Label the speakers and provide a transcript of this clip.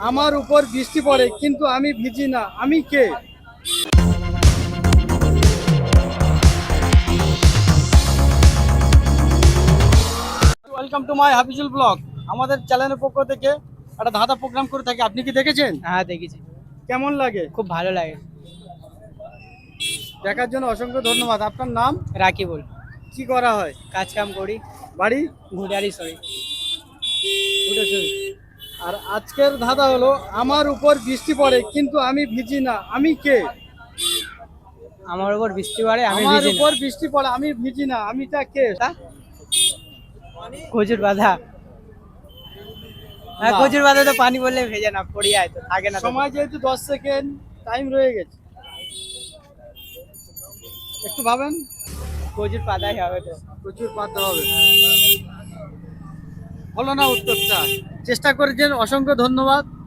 Speaker 1: আমার উপর বৃষ্টি পড়ে কিন্তু আমি ভিজি না, আমি কে? Welcome to my Hafizul blog. আমাদের চ্যানেলের পক্ষ থেকে একটা ধাঁধা প্রোগ্রাম করে থাকি, আপনি কি দেখেছেন?
Speaker 2: হ্যাঁ দেখেছি,
Speaker 1: কেমন লাগে?
Speaker 2: খুব ভালো লাগে।
Speaker 1: দেখার জন্য অসংখ্য ধন্যবাদ। আপনার নাম?
Speaker 2: রাকিবুল।
Speaker 1: কি করা হয়?
Speaker 2: কাজ কাম করি,
Speaker 1: বাড়ি?
Speaker 2: ঘুটারি সরি।
Speaker 1: উঠেছেন। আর আজকের ধাঁধা হলো, আমার উপর বৃষ্টি পড়ে কিন্তু আমি ভিজি না, আমি কে?
Speaker 2: আমার উপর বৃষ্টি পড়ে আমি
Speaker 1: আমার
Speaker 2: ভিজি না।
Speaker 1: উপর বৃষ্টি পড়ে আমি ভিজি না, আমিটা কে?
Speaker 2: তা? কচুর বাধা। হ্যাঁ
Speaker 1: না।
Speaker 2: কচুর বাধা তো পানি বললে ভেজে না, পড়ে যায় তো, থাকে না তো।
Speaker 1: সময় যেহেতু 10 সেকেন্ড টাইম রয়ে গেছে, একটু ভাবেন।
Speaker 2: কচুর পাতাই হবে তো।
Speaker 1: প্রচুর পাতে হবে। হলো না উত্তরটা? চেষ্টা করেছেন, অসংখ্য ধন্যবাদ।